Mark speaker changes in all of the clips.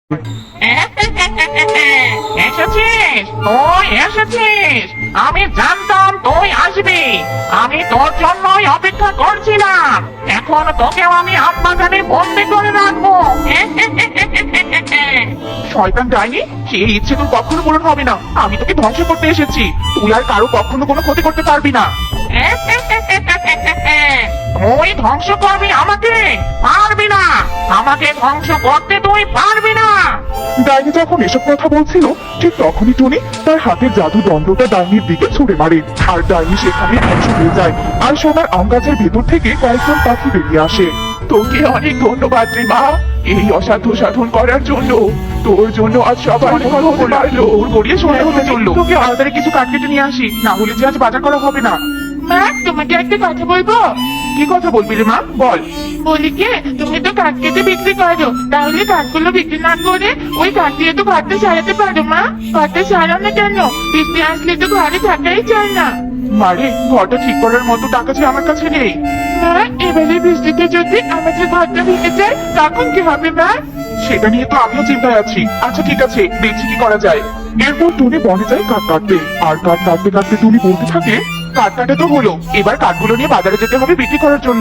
Speaker 1: এসেছিস, তুই এসেছিস। আমি জানতাম তুই আসবি। আমি তোর জন্যই অপেক্ষা করছিলাম। এখন তোকেও আমি আম বাগানে বন্দি করে রাখবো।
Speaker 2: শয়তান ডাইনি, সেই ইচ্ছে তোর কখনো পূরণ হবে না। আমি তোকে ধ্বংস করতে এসেছি। তুই আর কারো কখনো কোনো ক্ষতি করতে পারবি না।
Speaker 1: তুই ধ্বংস করবি আমাকে? পারবি না। আমাকে ধ্বংস করতে তুই পারবি না।
Speaker 2: ডাইনি যখন এসব কথা বলছিল, ঠিক তখনই টুনি তার হাতের জাদু দণ্ডটা ডাইনির দিকে ছুড়ে মারে। আর ডাইনি সেখানে ধ্বংস হয়ে যায়। আর সোনার আম গাছের ভেতর থেকে কয়েকজন পাখি বেরিয়ে আসে। তোকে অনেক ধন্যবাদ রে মা, এই অসাধ্য সাধন করার জন্য। তোর জন্য আজ সবাই সফল হতে পারলো। ওর গড়িয়ে সোনা হতে চললো। তোকে তাড়াতাড়ি কিছু কাঠ কেটে নিয়ে আসি, না হলে যে আজ বাজার করা হবে না।
Speaker 1: মা, তোমাকে একটা কথা বলবো।
Speaker 2: কি কথা বলবি রে মা, বল।
Speaker 1: বলি কি, তুমি তো কাঠ কেটে বিক্রি করো, তাহলে কাঠগুলো বিক্রি না করে ওই কাঠ দিয়ে তো ঘরটা সারাতে পারো। মা, ঘরটা সারাও না কেন? বৃষ্টি আসলে তো ঘরে থাকাই চায় না।
Speaker 2: মারে, ঘরটা ঠিক করার মতো টাকা যে আমার কাছে নেই।
Speaker 1: মা, এবারে বৃষ্টিতে যদি আমাদের ঘরটা ভেঙে যায় তখন কি হবে মা?
Speaker 2: সেটা নিয়ে তো আমিও চিন্তায় আছি। আচ্ছা ঠিক আছে, দেখছি কি করা যায়। এরপর টুনি বনে যায় কাঠ কাটতে। আর কাঠ কাটতে কাটতে টুনি বলতে থাকে, কাঠ কাটা তো হলো, এবার কাঠগুলো নিয়ে বাজারে যেতে হবে বিক্রি করার জন্য।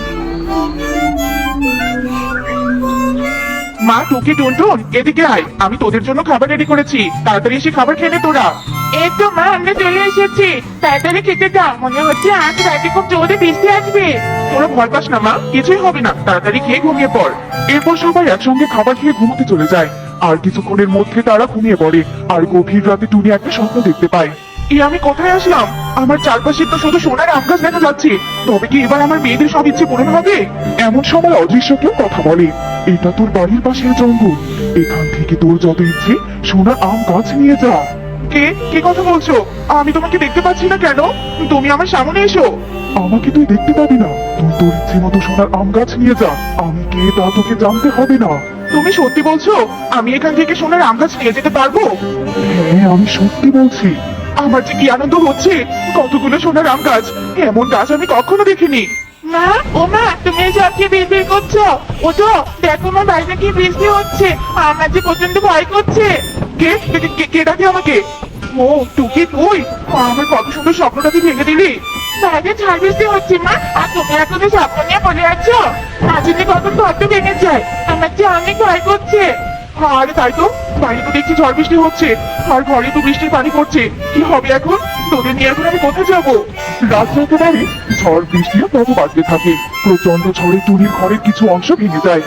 Speaker 2: মা, টুকি টুনটুন, এদিকে আয়, আমি তোদের জন্য খাবার রেডি করেছি। তাড়াতাড়ি এসে খাবার খেয়ে নে তোরা।
Speaker 1: এই তো মা, আমরা চলে এসেছি। তাড়াতাড়ি খেতে দাও, মনে হচ্ছে আজ রাতে খুব জোরে বৃষ্টি আসবে।
Speaker 2: তোরা ভয় পাস না মা, কিছুই হবে না, তাড়াতাড়ি খেয়ে ঘুমিয়ে পড়। এরপর সবাই একসঙ্গে খাবার খেয়ে ঘুমোতে চলে যায়। আর কিছুক্ষণের মধ্যে তারা ঘুমিয়ে পড়ে। আর গভীর রাতে টুনি একটা স্বপ্ন দেখতে পায়। আমি কোথায় আসলাম? আমার চারপাশে তো শুধু সোনার আম গাছ দেখা যাচ্ছে। তবে কি এবার আমার মেয়েদের সব ইচ্ছে পূরণ হবে? এমন সময় অদৃশ্য কেউ কথা বলে, এটা তোর বাড়ির পাশের জঙ্গল, এখান থেকে তোর যত ইচ্ছে সোনার আম গাছ নিয়ে যা। কে কে কথা বলছো? আমি তোমাকে দেখতে পাচ্ছি না কেন? তুমি আমার সামনে এসো। আমাকে তুই দেখতে পাবি না, তুই তোর ইচ্ছে মতো সোনার আম গাছ নিয়ে যা। আমি কে তা তোকে জানতে হবে না। তুমি সত্যি বলছো? আমি এখান থেকে সোনার আম গাছ নিয়ে যেতে পারবো? হ্যাঁ, আমি সত্যি বলছি। আমার যে কি আনন্দ হচ্ছে, কতগুলো সোনার আম গাছ, এমন গাছ আমি কখনো দেখিনি।
Speaker 1: মা, ও মা, তুমি সব কি বিড়বিড় করছো? ওঠো, দেখো মা, বাইরে কি বৃষ্টি হচ্ছে। আমার যে প্রচন্ড ভয় করছে।
Speaker 2: কে কে কে- কে ডাকে আমাকে? ও টুকি, তুই আমার কত সুন্দর স্বপ্নটা তুই ভেঙে দিলি।
Speaker 1: বাইরে ঝড় বৃষ্টি হচ্ছে মা, আর তুমি এখনো স্বপ্ন নিয়ে পড়ে আছো। মাঝে কখন ঘরটা ভেঙে যায়, আমার যে অনেক ভয় করছে।
Speaker 2: আরে তাই তো, বাইরে তো দেখছি ঝড় বৃষ্টি হচ্ছে, আর ঘরে তো বৃষ্টির পানি পড়ছে। কি হবে এখন? তোদের নিয়ে এখন আমি কোথায় যাবো? রাত একেবারে ঝড় বৃষ্টিও তত বাড়তে থাকে। প্রচন্ড ঝড়ে টুনির ঘরের কিছু অংশ ভেঙে যায়।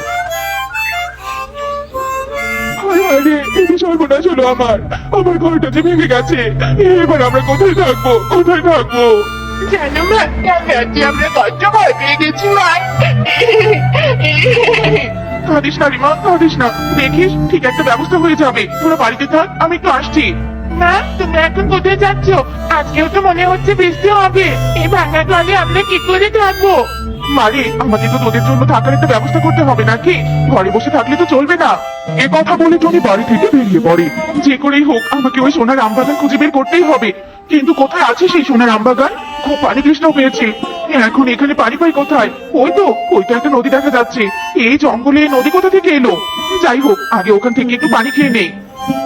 Speaker 2: আরে, এই সর্বনাশ হলো আমার ঘরটা যে ভেঙে গেছে। এবার আমরা কোথায় থাকবো, কোথায় থাকবো?
Speaker 1: জানো মা, কাল রাতে আমরা কত ভয় পেয়ে গেছি মা।
Speaker 2: কাঁদিস না রিমা, কাঁদিস না, দেখিস ঠিক একটা ব্যবস্থা হয়ে যাবে। তোরা বাড়িতে থাক, আমি একটু আসছি।
Speaker 1: মা, তুমি এখন কোথায় যাচ্ছ? আজকেও তো মনে হচ্ছে বৃষ্টি হবে। এই ভাঙা ঘরে আমরা কি করে থাকবো?
Speaker 2: মারে, আমাকে তো তোদের জন্য থাকার একটা ব্যবস্থা করতে হবে নাকি? ঘরে বসে থাকলে তো চলবে না। এ কথা বলে টনি বাড়ি থেকে বেরিয়ে পড়ে। যে করেই হোক আমাকে ওই সোনার আমবাগান খুঁজে বের করতেই হবে। কিন্তু কোথায় আছে সেই সোনার আমবাগান? খুব পানি তৃষ্ণা পেয়েছে। এখন এখানে পানি পাই কোথায়? ওই তো একটা নদী দেখা যাচ্ছে। এই জঙ্গলে এই নদী কোথা থেকে এলো? যাই হোক, আগে ওখান থেকে একটু পানি খেয়ে নেই।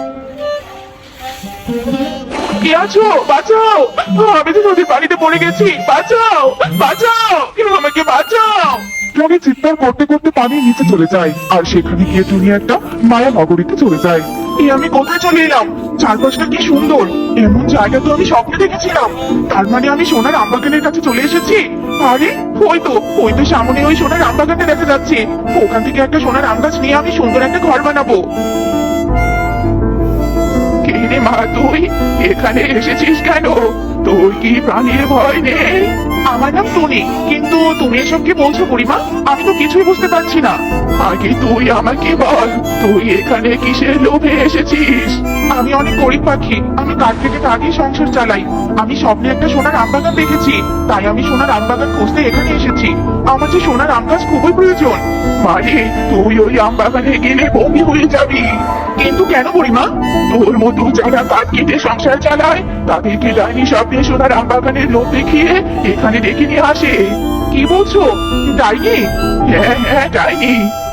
Speaker 2: কে আছো? বাঁচাও, আমি তো নদীর পানিতে পড়ে গেছি। বাঁচাও, বাঁচাও, কেউ আমাকে বাঁচাও। টনি চিৎকার করতে করতে পানির নিচে চলে যায়। আর সেখানে গিয়ে টুনি একটা মায়া নগরীতে চলে যায়। আমি কোথায় চলে এলাম? চারপাশটা কি সুন্দর, এমন জায়গা তো আমি স্বপ্নে দেখেছিলাম। তার মানে আমি সোনার আমবাগানের কাছে চলে এসেছি। আরে, ওই তো সামনে ওই সোনার আমবাগানটা দেখা যাচ্ছে। ওখান থেকে একটা সোনার আম গাছ নিয়ে আমি সুন্দর একটা ঘর বানাবো। কে রে মা, তুই এখানে এসেছিস কেন? তোর কি প্রাণীর ভয় নেই? আমার নাম টনি, কিন্তু তুমি এসব কি বলছো বুড়িমা? আমি তো কিছুই বুঝতে পারছি না। আগে তুই আমাকে বল, তুই এখানে কিসের লোভে এসেছিস? আমি অনেক গরিব পাখি, আমি কাঠ থেকে কাঠই সংসার চালাই। আমি স্বপ্নে একটা সোনার আমবাগান দেখেছি, তাই আমি সোনার আমবাগান খুঁজতে এখানে এসেছি। আমার যে সোনার আম গাছ খুবই প্রয়োজন। মানে তুই ওই আমবাগানে গেলে বমি হয়ে যাবি। কিন্তু কেন বুড়িমা? তোর মতো যারা কাঠ কেটে সংসার চালায় তাদেরকে ডাইনি স্বপ্নে সোনার আমবাগানের লোভ দেখিয়ে এখানে ডেকে নিয়ে আসে। কি বলছো? ডাইনি? হ্যাঁ হ্যাঁ, ডাইনি।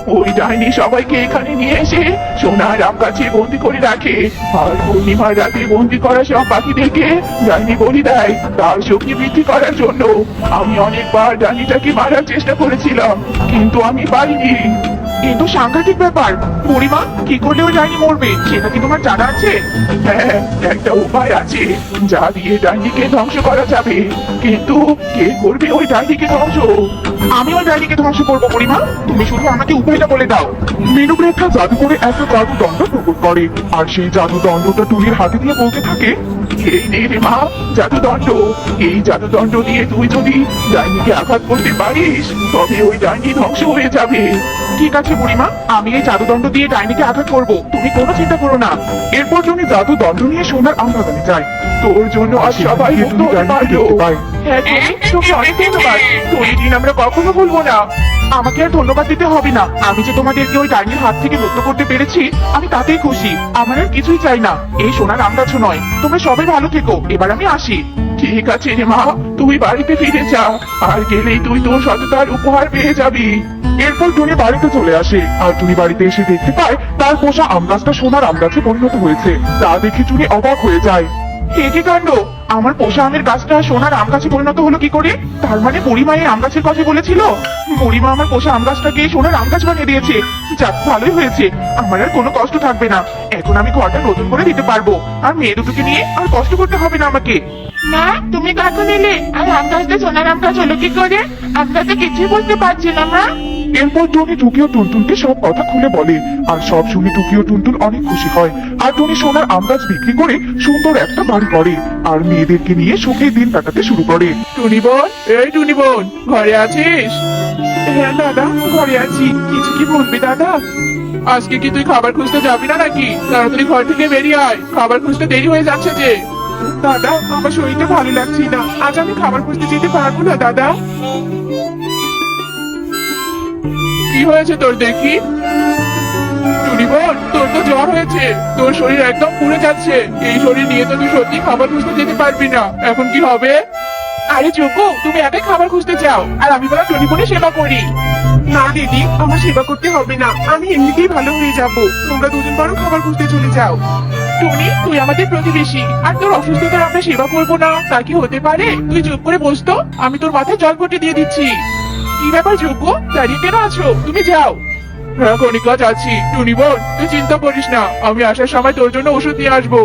Speaker 2: ওই ডাইনি সবাইকে এখানে নিয়ে এসে সোনার আম গাছে বন্দি করে রাখে। আর পূর্ণিমার রাতে বন্দি করা সব পাখিদেরকে ডাইনি বলি দেয় তার শক্তি বৃদ্ধি করার জন্য। আমি অনেকবার ডাইনিটাকে মারার চেষ্টা করেছিলাম, কিন্তু আমি পারিনি। কিন্তু সাংঘাতিক ব্যাপার, বুড়িমা কি করলে ওই ডাইনি মরবে সেটা কি তোমার জানা আছে? হ্যাঁ, একটা উপায় আছে যা দিয়ে ডাইনিকে ধ্বংস করা যাবে, কিন্তু কে করবে ওই ডাইনিকে ধ্বংস? আমি ওই ডাইনিকে ধ্বংস করবো বুড়িমা, তুমি শুধু আমাকে উপায়টা বলে দাও। মেনুরেখা জাদু করে একটা জাদু দণ্ড প্রকট করে, আর সেই জাদু দণ্ডটা টুনির হাতে দিয়ে বলতে থাকে, এই নে রে মা জাদু দণ্ড। এই জাদু দণ্ড দিয়ে তুই যদি ডাইনিকে আঘাত করতে পারিস তবে ওই ডাইনি ধ্বংস হয়ে যাবে। ঠিক আছে বুড়িমা, আমি এই জাদুদণ্ড দিয়ে ডাইনিকে আঘাত করব, তুমি কোনো চিন্তা করো না। এরপর টুনি জাদু দণ্ড নিয়ে সোনার আম বাগানে যায়। তোর জন্য আজ সবাই মুক্ত হতে পারলো। হ্যাঁ টুনি, তোকে অনেক ধন্যবাদ। তোর দিন আমরা কখনো ভুলবো না। আমাকে আর ধন্যবাদ দিতে হবে না, আমি যে তোমাদেরকে ওই ডাইনির হাত থেকে মুক্ত করতে পেরেছি আমি তাতেই খুশি। আমার আর কিছুই চাই না, এই সোনার আম গাছও নয়। তোমরা সবাই ভালো থেকো, এবার আমি আসি। ঠিক আছে রে মা, তুই বাড়িতে ফিরে যা, আর গেলেই তুই তোর সততার উপহার পেয়ে যাবি। এরপর টুনি বাড়িতে চলে আসে, আর টুনি বাড়িতে এসে দেখতে পায় তার পোষা আম গাছটা সোনার আম গাছে পরিণত হয়েছে। তা দেখে টুনি অবাক হয়ে যায়। এ কি কাণ্ড, আমার পোষা আমের গাছটা সোনার আম গাছে পরিণত হলো কি করে? তার মানে বুড়িমা এই আম গাছের কথা বলেছিল। বুড়িমা আমার পোষা আম গাছটাকে সোনার আম গাছ বানিয়ে দিয়েছে। যাক, ভালোই হয়েছে, আমার আর কোনো কষ্ট থাকবে না। এখন আমি ঘরটা নতুন করে দিতে পারবো, আর মেয়ে দুটোকে নিয়ে আর কষ্ট করতে হবে না আমাকে।
Speaker 1: মা, তুমি কখন এলে? আর আম গাছটা সোনার আম গাছ হলো কি করে? আমরা তো কিছুই বুঝতে পারছি না মা।
Speaker 2: এরপর টুনি টুকি ও টুনটুনকে সব কথা খুলে বলে, আর সব শুনে টুকি ও টুনটুন অনেক খুশি হয়। আর টুনি সোনার আম গাছ বিক্রি করে সুন্দর একটা বাড়ি করে, আর মেয়েদেরকে নিয়ে সুখে দিন কাটাতে শুরু করে। টুনি বোন, এই টুনি বোন, ঘরে আছিস? হ্যাঁ দাদা, ঘরে আছি। কিছু কি বলবি দাদা? আজকে কি তুই খাবার খুঁজতে যাবি না নাকি? তাড়াতাড়ি ঘর থেকে বেরিয়ে আয়, খাবার খুঁজতে দেরি হয়ে যাচ্ছে যে। দাদা, আমার শরীরটা ভালো লাগছে না, আজ আমি খাবার খুঁজতে যেতে পারবো না দাদা। কি হয়েছে তোর দেখি? টুনি বোন, তোর তো জ্বর হয়েছে, তোর শরীর একদম পুড়ে যাচ্ছে। এই শরীর নিয়ে তো তুই সত্যি খাবার খুঁজতে যেতে পারবি না, এখন কি হবে? আরে যোগ্য, তুমি একাই খাবার খুঁজতে যাও, আর আমি বলা টুনি বোনের সেবা করি। না দিদি, আমার সেবা করতে হবে না, আমি এমনিতেই ভালো হয়ে যাব। তোমরা দুজন বরং খাবার খুঁজতে চলে যাও। টুনি, তুই আমাদের প্রতিবেশী, আর তোর অসুস্থতার আমরা সেবা করবো না তা কি হতে পারে? তুই চুপ করে বসতো, আমি তোর মাথায় জল পটে দিয়ে দিচ্ছি। কি ব্যাপার যোগ্য, দাঁড়িয়ে কেন আছো? তুমি যাও। হ্যাঁ কণিকা, যাচ্ছি। টুনি বোন, তুই চিন্তা করিস না, আমি আসার সময় তোর জন্য ওষুধ নিয়ে আসবো।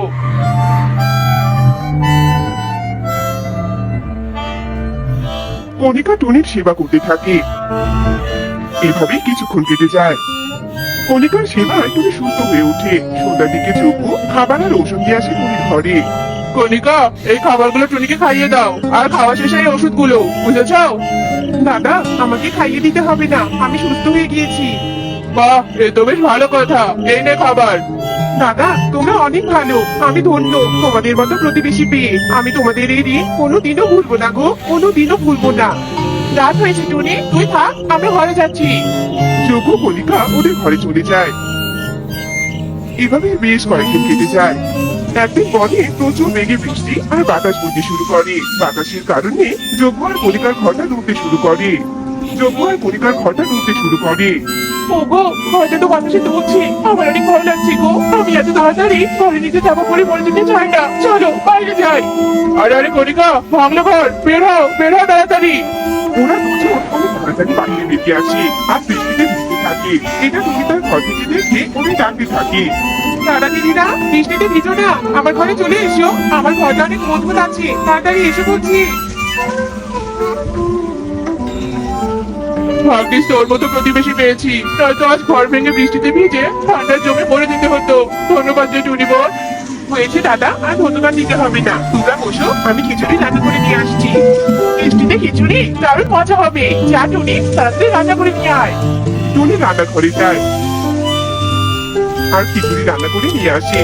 Speaker 2: কণিকা টুনির সেবা করতে থাকে। এভাবে কিছুক্ষণ কেটে যায়। কণিকার সেবায় টুনি সুস্থ হয়ে ওঠে। সন্ধ্যার দিকে যোগ্য খাবার আর ওষুধ দিয়ে আসে টুনির ঘরে। কণিকা, এই খাবারগুলো টুনিকে খাইয়ে দাও, আর খাওয়া শেষে এই ওষুধগুলো, বুঝেছ? দাদা, আমাকে খাইয়ে দিতে হবে না, আমি সুস্থ হয়ে গিয়েছি। বাহ, এ তো বেশ ভালো কথা, এই নে খাবার। দাদা, তোমরা অনেক ভালো, আমি ধন্য তোমাদের মতো প্রতিবেশী পেয়ে। আমি তোমাদের এই ঋণ কোনোদিনও ভুলবো না গো, কোনোদিনও ভুলবো না। রাত হয়েছে টুনি, তুই থাক, আমরা ঘরে যাচ্ছি। যোগ্য কণিকা ওদের ঘরে চলে যায়। এভাবে বেশ কয়েকদিন কেটে যায়। একদিন বনে প্রচুর বেগে বৃষ্টি আর বাতাস বইতে শুরু করে। বাতাসের কারণে যোগ্য আর কণিকার ঘরটা ডুবতে শুরু করে। যোগ্য আর কণিকার ঘরটা ডুবতে শুরু করে। ওগো, ঘরটা তো বাতাসে ডুবছে, আমার অনেক ভয় লাগছে গো। আমি এত তাড়াতাড়ি ঘরে নিচে চাপা পড়ে মরে যেতে চাই না, চলো বাইরে যাই। আরে আরে কণিকা, ভাঙলো ঘর, বের হও, বের হও তাড়াতাড়ি। ওরা দুজন অনেক তাড়াতাড়ি বাইরে বেরিয়ে আসে, আর বৃষ্টিতে ভিজতে থাকে। এটা তুমি তার ঘর থেকে দেখে ওদের ডাকতে থাকে। দাদা দিদিরা, বৃষ্টিতে ভিজো না, আমার ঘরে চলে এসো, আমার ঘরটা অনেক মজবুত আছে, তাড়াতাড়ি এসে বলছি। ভাগ্যিস তোর মতো প্রতিবেশী পেয়েছি, নয়তো আজ ঘর ভেঙে বৃষ্টিতে ভিজে ঠান্ডার জমে পড়ে যেতে হতো। ধন্যবাদ যে টুনি বোন। হয়েছে দাদা, আর ধন্যবাদ দিতে হবে না, তোমরা বসো, আমি খিচুড়ি রান্না করে নিয়ে আসছি। বৃষ্টিতে খিচুড়ি দারুণ মজা হবে। যা টুনি, তাড়াতাড়ি রান্না করে নিয়ে আয়। টুনি রান্না ঘরে যায় আর খিচুড়ি রান্না করে নিয়ে আসে।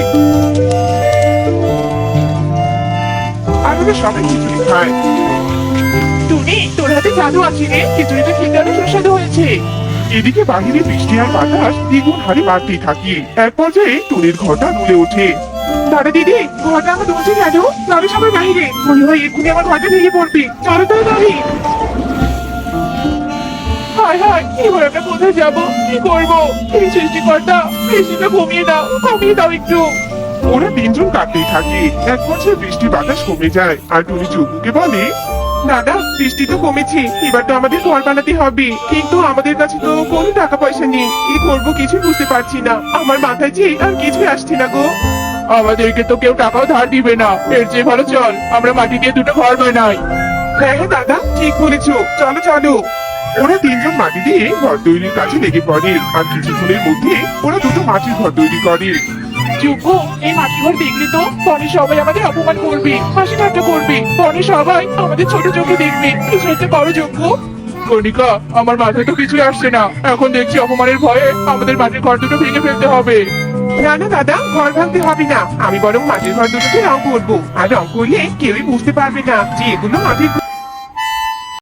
Speaker 2: আর ওরা সবাই খিচুড়ি খায়। টুনি, তোর হাতে জাদু আছে রে, খিচুড়িটা খেতে অনেক সুস্বাদু হয়েছে। এদিকে বাহিরে বৃষ্টি আর বাতাস দ্বিগুণ হারে বাড়তেই থাকে। এক পর্যায়ে টুনির ঘরটা দুলে ওঠে। দাদা দিদি, ঘরটা আমার দুলছে কেন? আমি সবাই বাহিরে, মনে হয় এক্ষুনি আমার ঘরটা ভেঙে পড়বে, চলো তাড়াতাড়ি।
Speaker 1: হায় হায়, এবার আমরা কোথায় যাবো, কি করবো? এই সৃষ্টিকর্তা, বৃষ্টিটা কমিয়ে দাও একটু।
Speaker 2: ওরা তিনজন কাঁদতেই থাকে। এক পর্যায়ে বৃষ্টি বাতাস কমে যায় আর টুনি চুকুকে বলে,
Speaker 1: দাদা, বৃষ্টি তো কমেছে, এবার তো আমাদের ঘর বানাতে হবে, কিন্তু আমাদের কাছে তো কোনো টাকা পয়সা নেই। কি করবো কিছু বুঝতে পারছি না, আমার মাথায় যে আর কিছু আসছে না গো। আমাদেরকে তো কেউ টাকাও ধার দিবে না, এর চেয়ে ভালো চল আমরা মাটি দিয়ে দুটো ঘর বানাই। হ্যাঁ হ্যাঁ দাদা, ঠিক বলেছো, চলো চলো।
Speaker 2: ওরা তিনজন মাটি দিয়ে ঘর তৈরির কাজে লেগে পড়ে আর কিছুক্ষণের মধ্যে ওরা দুটো মাটির ঘর তৈরি করে।
Speaker 1: যোগ্য, এই মাটির ঘর দেখলে তো বনে সবাই আমাদের অপমান করবে, হাসি ঠাট্টা করবে, বনে সবাই আমাদের ছোট চোখে দেখবে। কিছু একটা করো যোগ্য। কণিকা, আমার মাথায় তো কিছুই আসছে না, এখন দেখছি অপমানের ভয়ে আমাদের মাটির ঘর দুটো ভেঙে ফেলতে হবে। না না দাদা, ঘর ভাঙতে হবে না, আমি বরং মাটির ঘর দুটোকে রং করবো, আর রং করলে কেউই বুঝতে পারবে না যে এগুলো মাটির ঘর।